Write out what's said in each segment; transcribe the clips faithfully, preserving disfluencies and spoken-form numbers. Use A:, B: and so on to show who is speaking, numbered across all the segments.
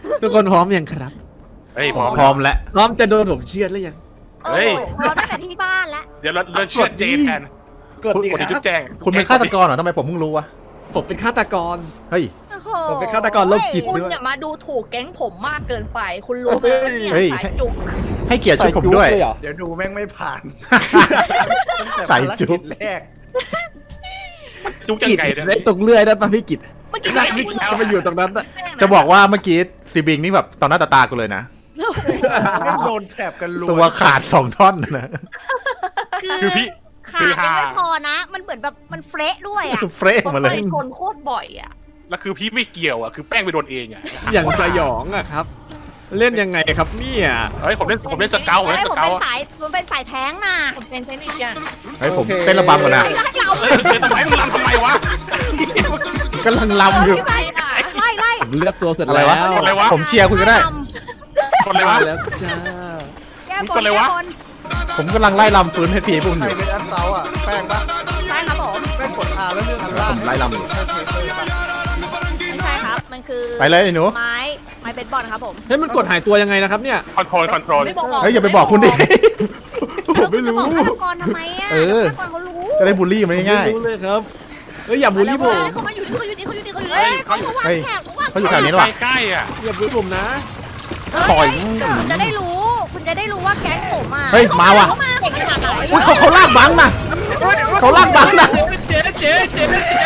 A: ทุกคนพร้อมยังครับ
B: เฮ้ยพร้อม
C: พร้อมแล้ว
A: พร้อมจะโดนผมเชือดหรือยัง
B: เฮ้ย
D: พร้อมตั้งแต่ที่บ้านแล้ว
B: เดี๋ยวเราเราเชื่อเจแทน
A: กดดี
B: กด
A: ค
B: ที่จุ
A: รั
B: ด
A: บ
B: แจ้ง
C: คุณเป็นฆาตกรเหรอทำไมผมเพิ่งรู้วะ
A: ผมเป็นฆาตกร
C: เฮ้ย
D: โอ้โห
A: ผมเป็นฆาตกรโรคจิต
E: คุณอย่ามาดูถูกแก๊งผมมากเกินไป คุณรู้ไหมว่าเนี่ย
C: เฮ้ย
E: สายจุก
C: ให้เกียรติชุดผมด้วย
A: ใส่จุ๊บเลเหรอ
F: เดี๋ยวดูแม่งไม่ผ่าน
C: ใส่จุ๊บ
F: ตั้งแต่ภารกิจแรก
B: จุกจัง
A: กิด
B: ไก่เนี่ย
A: เล็บตรงเลื่อยได้ป่ะพี่กิต
E: เมื่อกี้
A: นั่งพี่กิตจะมาอยู่ตรงนั้นอะ
C: จะบอกว่าเมื่อกี้ซีบิงนี่แบบต่อหน้าต่อตากูเลยนะ
F: แม่งโดนแถบกันรัว
C: ตัวขาดสองท่อนนะ
B: คือพี่
D: ขาดยังไม่พอนะ มันเหมือนแบบมันเฟะด้วยอ่ะ
C: เฟรช
E: ผม
C: มาเล
E: ไป
C: ย
E: ชนโคตรบ่อยอ่ะ
B: แล้วคือพี่ไม่เกี่ยวอ่ะคือแป้งไปโดนเองอ่ะ
A: อย่างสยองอะครับ เล่นยังไงครับเนี่ย
B: เฮ้ยผมเล่นผมเล่นสเกลผม
D: เฮ้
B: เล่
D: ย
B: น
D: ผ
B: ส
D: ม
B: เกล
D: เป็นสายผมเป็นสายแท้งน่ะ
E: ผมเป็นเทคนิคยัน
C: เฮ้ยผมเต้นระบำก่อนนะ
D: ไล่ไล่เรา
B: เฮ้ยเฮ้ยทำไมมึงรำทำไมวะ
C: กำลังลำอยู่
D: ไล่ไล่ไล่
A: ผมเลือกตัวเสร็จ
C: อะไร
A: แล้ว
C: วะ
B: อะไรวะ
C: ผมเชียร์คุณก็ได้
B: คนเลยวะ
A: แล้วจ้า
D: แก้บ
B: กด
D: น
B: เลยวะ
D: แก้บน
C: ผมกำลังไล่ลำฟื้นให้พีพวก
F: ใค
C: อ
F: ร
C: ยู่
F: เป็นแอสเซาอ่ะแป้งปะ
D: ใช่ครับผม
F: แป้งกดอาแล้วเรื่องอันล่าง
C: ผมไล่ลำอยู่
F: ใช่เทเซอร์ปะ
D: ไม่ใช่ครับ มันคือ
C: ไปเลยไอ้หนู
D: ไม้ไม้เบสบอลครับผม
A: เฮ้ยมันกดหายตัวยังไงนะครับเนี่ย
B: คอนโทรลคอนโทรล
E: ไม่บอก
C: เฮ้ยอย่าไปบอกคุณดิ
A: ผมไม่รู้
D: จะบอกฆาตกรทำไมอ่ะ
C: เออ
D: ฆาตกรเขารู้
C: จะได้บูลลี่มันง่าย
A: ไม่รู้เลยครับเฮ้ยอย่าบูลลี่ผม
E: เขามาอยู่ที่เขาอยู่ที่เขาอยู่ที่เขาอยู่
D: เฮ้ย
E: ที่
D: เขาวาง
C: เฮ้ย
D: แถบเขาวาง
C: เขาอยู่แถวนี้
B: ใกล้ใกล้อ่ะ
A: อย่าบูลลี่ผมนะ
C: ๆต่อย
D: คุณจะได้รู้ คุณจะได้รู้ว่าแก๊งผมอ่ะ
C: เฮ้ยมาว่ะ
D: เขามาเก่งขนาดไหน
C: อุ้ยเขาเขาลากบังนะเขาลากบังนะ
A: เจ๊เจ๊เจ๊เจ๊เจ๊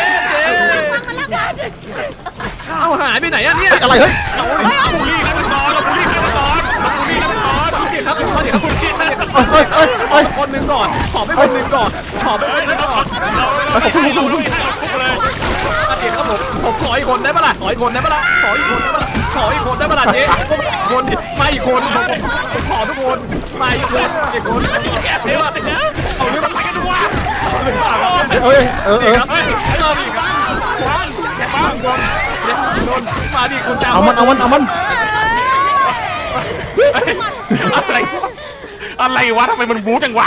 D: มันแล้วกัน
A: เอาหายไปไหนอะเนี่ย
C: เฮ้ยอะไรเฮ้ย
B: บูลลี่กันนอนเราบูลลี่กันนอนเราบูลลี่กันนอน
A: เดี๋ยวครับเดี๋ยวครับคุณพี่
C: เอ้ยเอ้ยเอ้ยเอ้ย
A: คนหนึ่งก่อน ขอไปคนหนึ่งก่อน ขอไปคนหนึ่งก่อน
B: เราเราบูลลี่เราบูลลี่เลย
A: เดี๋ยวครับผม ผมขออีกคนได้ปะล่ะ ขออีกคนได้ปะล่ะ ขออีกคนได้ปะล่ะ ขออีกคนได้ปะล่ะเจ๊คนดิมาอีกคนผมผมขอทุกคนมาอีกคนอีกคน
B: แกเดี๋ยวเอาเรื่องอะไรกันดูวะ
C: เอ้ยเออเออ
A: เฮ้ยเริ่มอีกครั้งวางวางวางเดี๋ยวโดนมาดิคุณจ้า
C: เอามันเอามันเอามัน
B: อะไรอะไรวะทำไมมันบู๊จังวะ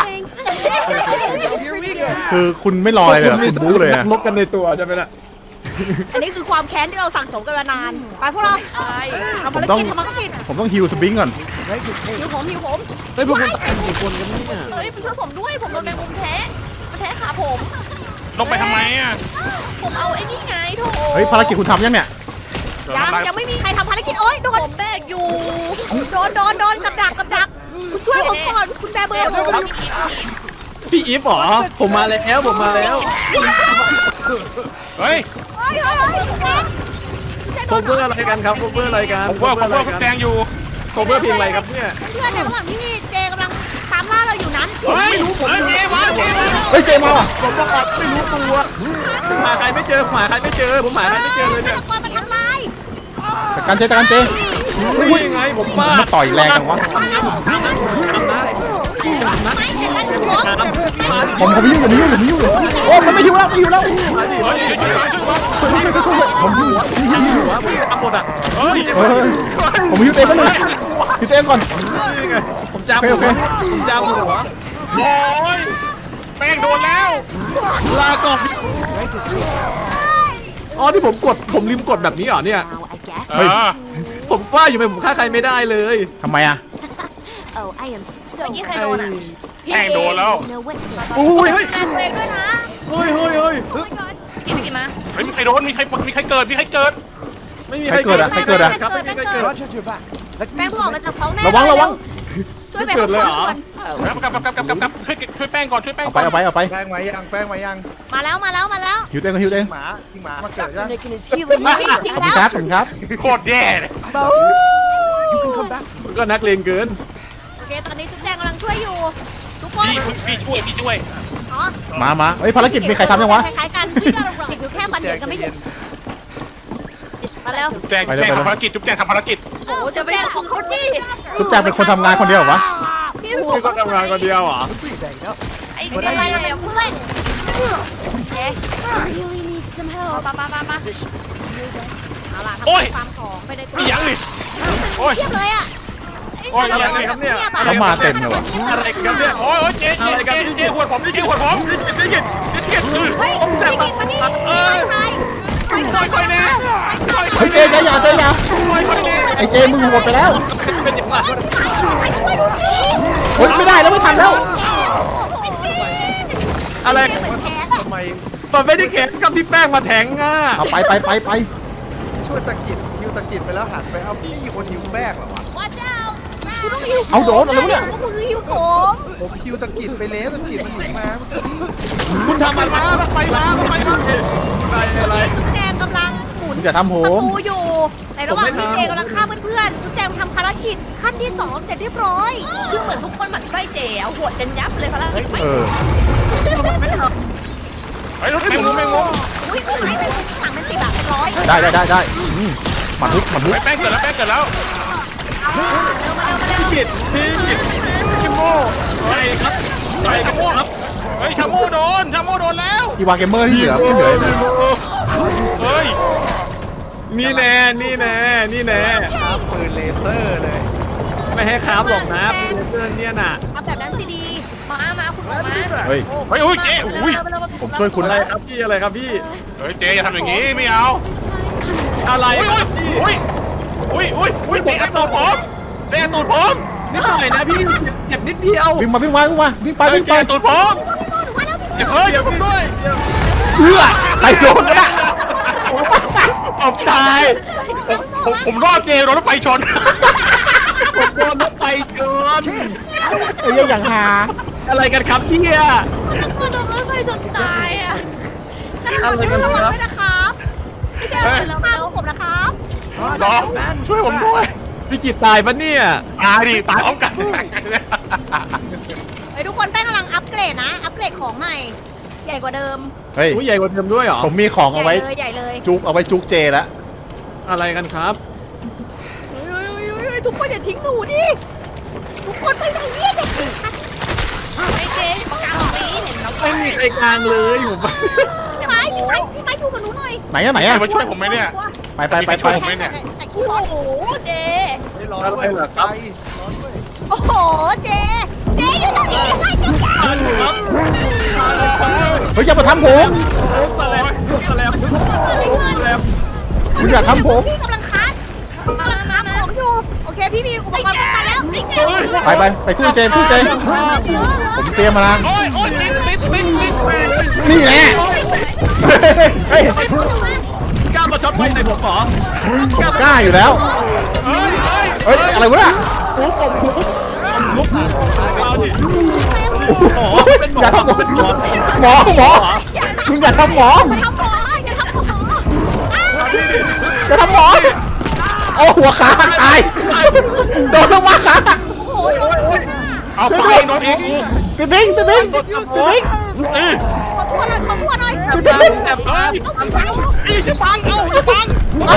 C: คือคุณไม่รออะไรเลยเหรอคุณบู๊เลยอะ
A: ลบกันในตัวใช่ไหมล่ะ
D: อันนี้คือความแค้นที่เราสั่งสมกันมานาน ไปพวกเรา
E: ใช่
D: ทำภารกิจทำภารกิจ
C: ผมต้องฮิวสปริงก่อน
D: หิวผมหิวผม
A: เฮ้ยพวกคุณกี่คนกันเนี่ย
E: เฮ้ยไปช่วยผมด้วยผมโดนแมงมุมแท้มาแท้ขาผม
B: ลงไปทำไมอ่ะ
E: ผมเอาไอ้นี่ไงโถ
C: เฮ้ยภารกิจคุณทำยังเนี่ย
D: ยังยังไม่มีใครทำภารกิจโอ๊ยโดน
E: ผมแบกอยู่
D: โดนโดนโดนกับดักกับดักคุณช่วยผมก่อนคุณแบเบอร์ผม
A: พี่อีฟเหรอผมมาแล้วผมมาแล้ว
B: เฮ้ย
D: เฮ้ยเฮ้ยเฮ้ยแก
A: โคเวอร์อะไรกันครับโคเวอร์อะไรกัน
B: ผมว่าผมว่าคุณแดงอยู่
A: โคเวอร์เพลงอะไรครับเนี่ย
D: เพื่อนในระหว่างที่เจกำลังตามล่าเราอยู่นั้น
B: เฮ้ยเฮ้ยเจ๊มาเจ๊มา
C: เฮ้ยเจมาว่ะ
A: ผมบอกว่าไม่รู้ตัวผมหาใครไม่เจอผมหาใครไม่เจอผมหาใครไม่เจอเลยเนี่ย
D: ฆาตกรมันทำลาย
C: จัดการเจจัดการเจ
A: อุ้ยยังไงผมฟาด
C: มาต่อยแรงจังวะ
D: ไม่เห็นแล้วคุณรถ
C: ผมผมยุ่งผมยุ่งผมยุ่งโอ้มันไม่ยุ่งแล้วไม่ยุ่งแล้ว ผมยุ่ง
A: หัวผมทำหมดอ่ะเฮ้ย
C: เออผมยุ่งเต็มไปเลยพี่เต็มก่อน
A: นี่ไงผมจาม
C: โอเค
A: หั
C: โอ
A: ว
C: เค
A: ผมจามหัว
B: โอ้ยแป้งโดนแล้ว
A: ลาก่อนอ๋อที่ผมกดผมลืมกดแบบนี้เหรอเนี่ย
B: เฮ้ย
A: ผมว่าอยู่ไหมผมฆ่าใครไม่ได้เลย
C: ทำไมอ่ะ
D: Oh I am
E: เมื่อกี้ใครโดนอ่ะ
B: แป้งโดนแล้ว
A: อุ้ยเฮ้ย
D: แบตัวเองด้วยนะ
A: เฮ้ยเฮ้ยเฮ้ย
E: กินไปกินมา
B: เฮ้ยมีใครโดนมีใครมีใครเกิดมีใครเกิด
A: ไม่มี
C: ใครเกิดอะใครเกิดอะ
A: ครับไม่มีใครเกิด
D: แป้งบอกมาจากท้องแม่
C: ระวังระวัง
D: ช่วยไป
A: เกิดเลยเหรอ
B: แล้วกลับกลับกลับกลับกลับช่วยช่วยแป้งก่อนช่วยแป้ง
C: เอา
B: ก่
C: ไป
B: อน
C: เอาไปเอาไป
F: แป้งมายังแป้งมายัง
D: มาแล้วมาแล้วมาแล้ว
C: หิวเต็มก็หิวเต็ม
F: หมาที่หมามาเกิดยัง
C: ขอบคุณครับขอบคุณครับ
B: โคตรแย่เลย
A: ก็นักเลงเกิน
D: โอเคตอนนี้จุ๊บแจงกำลังช่วยอยู่ทุกคน
B: พี่พี่ช่วยพี่ช่วย
D: อ๋อ
C: มามาเฮ้ยภารกิจมีใครทำยังวะ
D: คล้ายๆกันติดอยู่แค่ฟันเดียวกันไม่หยุดมาแล้ว
B: แจ้งแจ้งทำภารกิจจุ๊บแจ้งทำภารกิจ
D: โอ้โห
E: จะ
D: จุ๊บ
E: ไป
D: แจง
E: ของเขาดิ
C: ทุกแจงเป็นคนทำงานคนเดียวเหรอวะ
E: พี่
A: พี่ก็ทำงานคนเดียวเหรอ
E: ไอ้เป็นอะไรเนี่ยเพื่อน
D: โอเค
E: มามามามา
D: เอาล่ะทำความของไปในตัว
B: มียังนี่โอ้ย
D: เทียบเลยอ่ะ
B: โอ้ย
A: อะไร
B: ยังนี่
A: ครับเนี่ย
C: เขามาเต็มเลยว่ะ
A: อะไรกันเนี่ย
B: โอ้ยเจ๊เจ๊เจ๊เจ๊หัวผมเจ๊หัวผม
A: นี่กินนี่กินนี่กิน
D: เฮ้ยพี่กินมานี่
A: เออ
D: ใคร
B: ค่อยๆแน่
C: เฮ้ยเจเจอย่าเจอย่าไอ้เจมึงหมดไปแล้ว
A: เป็นอย่างไร
C: เฮ้ยไม่ได้แล้วไม่ทันแล้ว
A: อะไร
F: ทำไม
A: มันไม่ได้แขนกับที่แป้งมาแทงอ่ะ
C: เอาไปไปไปไป
F: ช่วยตะกิดฮิวตะกิดไปแล้วหันไปเอาพี่คนฮิวแป้งเหรอวะ
D: Watch out คุณต้องหิว
C: เอาโดนอะไรวะเนี่ย
D: คุณคือหิวผม
F: ผมฮิวตะกิดไปแล้วตะกิดมันหนีมา
A: คุณทำอะไรมาไปมาไปมาอะไรอะไร
D: จุ๊บแจงกำลังหมุน
C: อย่าทำผ
D: ประ
C: ม
D: ตูอยู่ ในระหว่าง
A: ผมไม่
D: ที่
A: ทำ
D: เจกำลังฆ่าเพื่อนๆจุ๊บแจงทำภารกิจขั้นที่สองเสร็จเรียบร้อย
E: คือเหมือนทุกคนหมั่นไส้เจ๋เอาหัวกันยับเลยพลัง
C: เออ
B: เฮ้ยรถแมงมุมแมงมุม
D: อุ้ยอุ้ยไม่เป็นถังเป็นสิบอะเป็นร้อย
C: ได้ได้ได้ได้อืมหมันลุกหมันลุก
B: ไปแป้งเกิดแล้วแป้งเกิดแล้ว
A: พี่กิดพี่กิดชิโม่ใช่ครับใช่ครับครับ
B: เฮ้ยชาโมโดนชาโมโดนแล้ว
C: อีวาเกมเมอร์ที่เหลือที่เหลือ
B: เฮ้ย
A: นี่แน่นี่แน่นี่แน่
F: ครับปืนเลเซอร์เลย
A: ไม่ให้ค้าบอกนะเพื่อนเนี่ยน่ะ
D: ทำแบบนั้นสิดี
E: มามาคุณมา
C: เฮ้ย
B: เฮ้ยโอ้ยเจ๊อุ้ย
C: ผมช่วยคุณ
A: อะไรครับพี่อะไรครับพี่
B: เฮ้ยเจ๊อย่าทำอย่างนี้ไม่เอา
A: อะไร
B: อุ้ย
A: ครับพี่
B: อุ้ยอุ้ยอุ้ยอุ้ยเตะกระตูดผมเตะกระตูดผม
A: นิดหน่อยนะพี่เจ็บนิดเดียว
C: วิ่งมาวิ่งมาวิ่งมาวิ่งไปวิ่งไป
B: เตะกระตูดผมเฮ้ยเดี๋ยวผมด้วย
C: เอื้อไปโดนก็ได้
A: ผมตาย
B: ผมผมรอดเจ๊โดนรถไฟชน
A: ผมโดนรถไฟชน
C: ไอ้เหี้ยอย่างหา
A: อะไรกันครับพี่อะ
E: คุณโดนรถไฟชนตายอ่ะ
A: อะไรกัน
D: ระ
A: ค
D: วัง
A: รับ
D: ด้วยนะครับไม่ใช่อะไรแล้วมาผมนะครับ
B: รอช่วยผมด้วย
A: พี่กิตตายปะเนี่ย
B: ตายดิตายพร้อมกัน
D: ไอ้ทุกคนแป้งกำลังอัปเกรดนะ อัปเกรดของใหม่ ใหญ่กว่าเดิม
C: เฮ้ย
A: อุ้ยใหญ่กว่าเดิมด้วยเหรอ
C: ผมมีของ
D: ให
C: เอา
D: ญ่
C: ไว้
D: เลยใหญ่เลย
C: จุกเอาไว้จุกเจแล้ว
A: อะไรกันครับ
D: เฮ้ยเฮ้ยเฮ้ยเฮ้ยทุกคนอย่าทิ้งหนูดิทุกคนไปไหนเนี่ยเด็ก
E: ไอ้เจ๊ประกาศตรงนี้เห็นแล้ว
A: ไม่มีใครกลางเลยผม
D: พี่ไม้พี่ไม้พี่ไม้อยู่กับหนูหน่อย
C: ไหนอะไหน
B: ใคร
C: อะ
B: มาช่วยผมไหมเนี่ย
C: ไปไปไปไป
B: ช่วยผมไหมเนี่ย
D: แต่ขี้
E: โอ้
D: ร้อน
E: โหเจ๊
F: ไม่ร้อนด้วยไปร้อนด้วย
D: โอ้โหเจเจอยู่ตรงนี้ให้เจ้าแก่
A: ครับ
C: เฮ้ยอย่ามาทำผม
A: สแลมสแลมสแลม
C: คุณอย่าทำผม
D: พี่กำลังคัดกำลังคัดของอยู่โอเคพี่มีอุปกรณ์ป้องกันแล้ว
C: ไปไปไปสู้เจสู้เจผมเตรียมมาแล้ว
B: โอ้ยโอ้ยติดติดติดติด
C: นี่แหละเฮ้ย
A: กล้ามาช็อตไฟในผมเหรอ
C: ผมกล้าอยู่แล้ว
B: เฮ้ยเฮ้ย
C: เฮ้ยอะไรวะเนี่ย
A: ปุ๊บผมปุ๊บลุกเอาดิหมอเป็นหมอ
C: อย่าทำหมอ
A: เป็นหมอ
C: หมอหมอคุณอย่าทำหมอ
D: ทำหมออย่าทำหมอ
C: อย่าทำหมอโอ้หัวขาตายโดนลงมาขา
D: โอ้โห
B: เอาไปโดนอีก
C: ติดบิงติดบิงติดบิง
A: เออ
D: ขอทั่วหน่อยขอทั่วหน่อย
C: ติดบิง
A: แอบตาย
D: เอาไปเอา
A: อีจะฟังเอาจะฟัง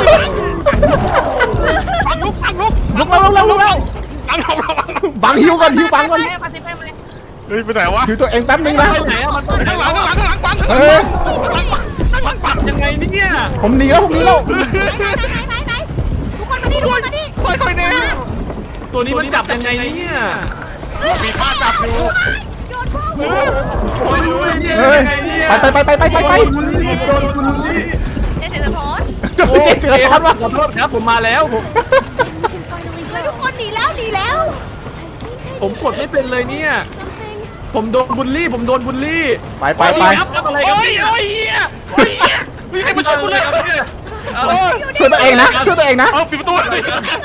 B: ฟังลุกฟังลุก
C: ลุกแล้วลุกแล้วลุกแล้ว
B: ฟังเราเราฟัง
C: บังหิวก่อนหิวบังก่อน
E: ไปไปไปไป
B: เฮ้ยไปไหนวะ
C: หิวตัวเองแป๊บนึงนะ
A: ไปไหนอะมันไปไหน
B: ข้างหลั
A: แล้
B: ง
A: ว
B: ข้างหลังข้างหลังฟัง
C: เฮ้ย
A: มันปัดยังไงเนี่ย
C: ผมหนีแล้วผมหนีแล้ว
D: ไหนไหนไหนไหนทุกคนมาดิทุกคนมาดิ
B: ค่อยค่อยเนี่ย
A: ตัวนี้มันจับยังไงเนี่ย
B: มีป้าจับอยู่
D: โยนพวก
A: ไม่รู้เลยเนี่ย
C: เฮ้ย
A: ยังไงเนี่ย
C: ไปไปไปไปไปไป
A: บุลลี่โดนบุลลี่
E: เจ๊เจ๊สะท้อน
A: โอ้
C: เจ๊เสือ
A: ค
C: ทั
A: รั
C: น
A: บ
C: วะ
A: ขอโทษครับผมมาแล้วผม
D: ทุกคนหนีแล้วหนีแล้ว
A: ผมกดไม่เป็นเลยเนี่ย ผมโดนบุลลี่ ผมโดนบุลลี่
C: ไปไปไป
A: ครับทำอะไรกัน
B: โอ้ย
A: เนี่ย
B: โอ้ยเฮียโอ้ยเฮียมีใครมาช่วยกูเลย
A: ครับเนี่ย
B: โอ้ย
C: ช่วยตัวเองนะช่วยตัวเองนะ
B: เอาปิดประตูเลย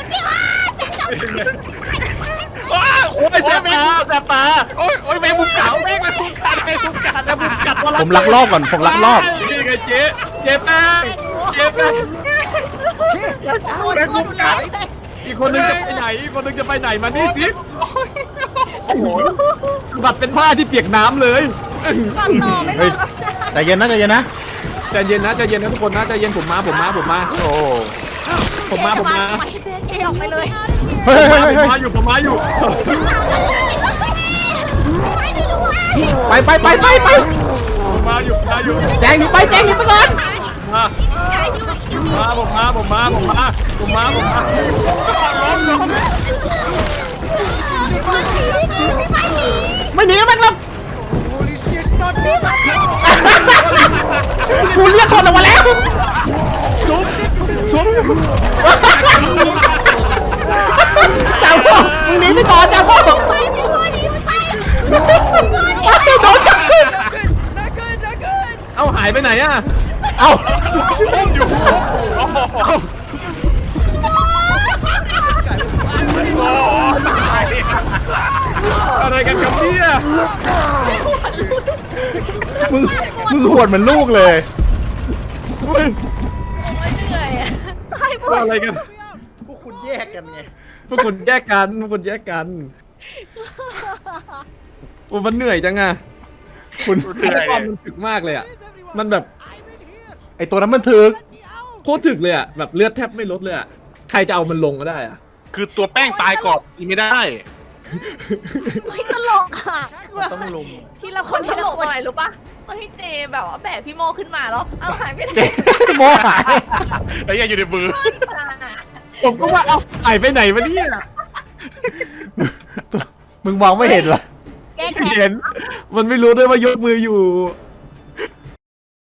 A: โอ้ยแสบตาแสบตา
B: โอ้ยโอ้ยแมงมุมกัดแมงมุมกัดแมงมุมกัด
A: แสบมุมกัด
C: ผมลักลอบก่อนผมลักลอบ
A: นี่ไงเจ๊เจ๊แป้งเจ๊แป้งแป้งมุมกัดอีกคนนึงจะไปไหนอีกคนนึงจะไปไหนมานี่สิโอ้โหบัดเป็นผ้าที่เปียกน้ำเลย
D: ก่อนต่อไม่
C: เฮ้ย
D: รอ
C: ใจเย็นนะใจเย็นนะ
A: ใจเย็นนะใจเย็นนะทุกคนนะใจเย็นผมมาผมมาผมมา
C: โอ้
A: ผมมาผมมา
D: เอออกไปเลย
C: เฮ้ย
A: ผม
C: เฮ้ย
A: มา
C: เฮ้ย
A: ผมมาอยู่ผมมาอยู่
D: ไม่ไม่รู้ไ
C: ไปไปไปไปไป
A: ผมมาอยู่ผมมาอยู่
C: แจงหนีไปแจงหนีไปก่อน
A: มามาผมมาผมมาผมมาผมมาผมมาล้มล้ม
C: ไม่หนีแล้วมันแล้วกูเรียกคนออกมาแล้วจางโม่มึงหนีไปก่อนจางโม่โดนจับขึ้น
F: น่าเกินน่าเกิน
A: เอาหายไปไหนอะ
C: เอ้า
B: อยู่โอ้โหโอ้ตาย
A: อะไรกันครับเนี่ย
C: มึงมึงหวดเหมือนลูกเลย
A: เฮ้ย
E: เหนื่อยอะ
D: ตายหมด
A: อะไรกัน
F: พวกคุณแยกกันไง
A: พวกคุณแยกกันพวกคุณแยกกันโอ้มันเหนื่อยจังอะ
C: คุณ
B: เหนื่อย
A: ความมันถึกมากเลยอะมันแบบ
C: ไอตัวนั้นมันถึก
A: โคตรถึกเลยอะแบบเลือดแทบไม่ลดเลยอะใครจะเอามันลงก็ได้อะ
B: คือตัวแป้งตายก่อนอีไม่ได้
D: ไม่ตลกค่ะ
F: ต้องลุม
D: ทีละค
E: คน น
D: ที
E: ที่
D: ละ
E: หลบ
D: คน
E: หน่อยรู้ปะตอนที่เจแบบว่าแบกพี่โมขึ้นมาแล้วเอาหายไปไหน
C: เจ๊โมหาย
B: แล้วยังอยู่ในมือ
A: ผมก็ว่าเอาหายไปไหนวะเนี่ย
C: มึงมองไม่เห็นเหรอ
D: แก้แค้น
A: เห็น มันไม่รู้ด้วยว่ายกมืออยู่